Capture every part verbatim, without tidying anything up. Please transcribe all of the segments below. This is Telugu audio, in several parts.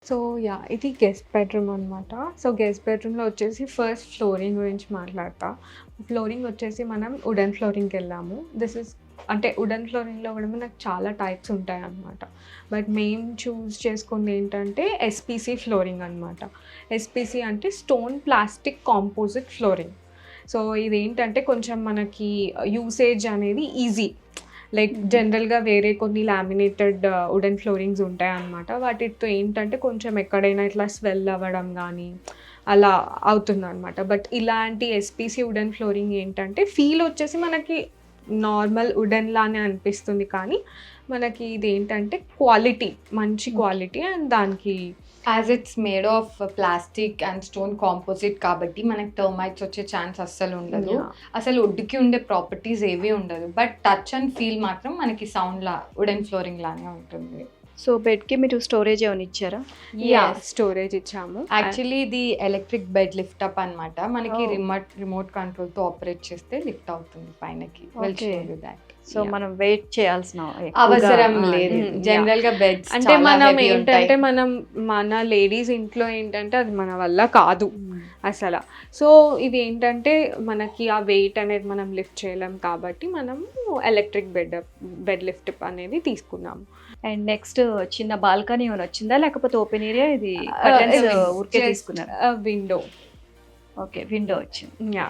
So yeah! ఇది గెస్ట్ బెడ్‌రూమ్ అనమాట. సో గెస్ట్ బెడ్‌రూమ్‌లో వచ్చేసి ఫస్ట్ ఫ్లోరింగ్ గురించి మాట్లాడతా. ఫ్లోరింగ్ వచ్చేసి మనం వుడెన్ ఫ్లోరింగ్‌కెళ్ళాము. దిస్ ఈస్ అంటే వుడెన్ ఫ్లోరింగ్‌లో కూడా మనకు చాలా టైప్స్ ఉంటాయన్నమాట. బట్ మేము చూజ్ చేసుకుంది ఏంటంటే ఎస్‌పీసీ ఫ్లోరింగ్ అనమాట. ఎస్‌పీసీ అంటే stone plastic composite flooring. So ఇదేంటంటే కొంచెం మనకి యూసేజ్ అనేది ఈజీ. లైక్ జనరల్‌గా వేరే కొన్ని లామినేటెడ్ వుడెన్ ఫ్లోరింగ్స్ ఉంటాయన్నమాట. వాటితో ఏంటంటే కొంచెం ఎక్కడైనా ఇట్లా స్వెల్ అవ్వడం గానీ అలా అవుతుందనమాట. బట్ ఇలాంటి ఎస్‌పీసీ వుడెన్ ఫ్లోరింగ్ ఏంటంటే ఫీల్ వచ్చేసి మనకి నార్మల్ వుడెన్ లానే అనిపిస్తుంది. కానీ మనకి ఇదేంటంటే క్వాలిటీ మంచి క్వాలిటీ అండ్ దానికి as it's made of plastic and stone composite కాబట్టి మనకి టర్మైట్స్ వచ్చే ఛాన్స్ అస్సలు ఉండదు. Yeah. అసలు వుడ్‌కి ఉండే ప్రాపర్టీస్ ఏవి ఉండదు. బట్ టచ్ అండ్ ఫీల్ మాత్రం మనకి సౌండ్ లా వుడెన్ ఫ్లోరింగ్ లానే ఉంటుంది. సో బెడ్‌కి మీరు స్టోరేజ్ ఏమైనా ఇచ్చారా? యాహ్! స్టోరేజ్ ఇచ్చాము. యాక్చువల్లీ ఇది ఎలక్ట్రిక్ బెడ్ లిఫ్ట్ అప్ అన్నమాట. మనకి Oh. రిమోట్ రిమోట్ కంట్రోల్‌తో ఆపరేట్ చేస్తే లిఫ్ట్ అవుతుంది పైనకి. Will show Okay. You that. So మనం వెయిట్ చేయాల్సిన ఎక్కువగా- అవసరం ఆ, లేదు. Mm, yeah. జనరల్ గా బెడ్స్ అంటే మనం ఏంటంటే మనం మన లేడీస్ ఇంట్లో ఏంటంటే అది మన వల్ల కాదు అసలు. సో ఇది ఏంటంటే మనకి ఆ వెయిట్ అనేది మనం లిఫ్ట్ చేయలేం కాబట్టి మనం ఎలక్ట్రిక్ బెడ్ బెడ్ లిఫ్ట్ అనేది తీసుకున్నాము. అండ్ నెక్స్ట్ చిన్న బాల్కనీ ఏమైనా వచ్చిందా లేకపోతే ఓపెన్ ఏరియా ఇది కర్టన్స్ ఊరికే తీసుకున్నారా? విండో. ఓకే, విండో వచ్చింది. యా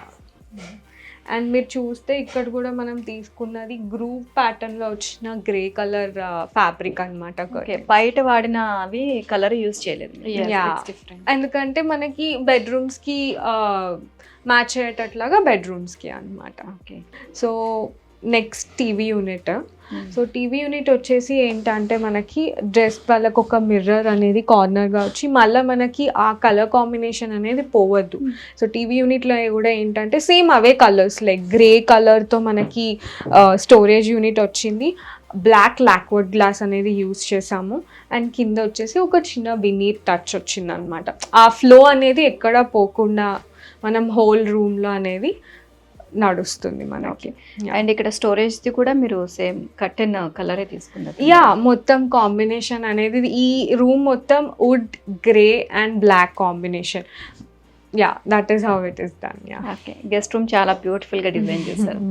అండ్ మీరు చూస్తే ఇక్కడ కూడా మనం తీసుకున్నది గ్రూప్ ప్యాటర్న్ లో వచ్చిన గ్రే కలర్ ఫ్యాబ్రిక్ అనమాట. ఓకే, బయట వాడిన అవి కలర్ యూజ్ చేయలేదు. Yeah. డిఫరెంట్. ఎందుకంటే మనకి బెడ్రూమ్స్ కి మ్యాచ్ అయ్యేటట్లాగా బెడ్రూమ్స్ కి అనమాట. Okay. So next TV unit. So TV unit వచ్చేసి ఏంటంటే మనకి డ్రెస్ వాళ్ళకి ఒక మిర్రర్ అనేది కార్నర్గా వచ్చి మళ్ళీ మనకి ఆ కలర్ కాంబినేషన్ అనేది పోవద్దు. సో టీవీ యూనిట్లో కూడా ఏంటంటే సేమ్ అవే కలర్స్ లైక్ గ్రే కలర్తో మనకి స్టోరేజ్ యూనిట్ వచ్చింది. బ్లాక్ లాక్వుడ్ గ్లాస్ అనేది యూస్ చేసాము అండ్ కింద వచ్చేసి ఒక చిన్న వినీర్ టచ్ వచ్చింది అనమాట. ఆ ఫ్లో అనేది ఎక్కడ పోకుండా మనం హోల్ రూమ్లో అనేది నడుస్తుంది మనకి. అండ్ ఇక్కడ స్టోరేజ్ ది కూడా మీరు సేమ్ కర్టెన్ కలరే తీసుకున్నారు. యా మొత్తం కాంబినేషన్ అనేది ఈ రూమ్ మొత్తం wood grey and black combination. Yeah that is how it is done. Yeah okay, guest room చాలా బ్యూటిఫుల్ గా డిజైన్ చేశారు.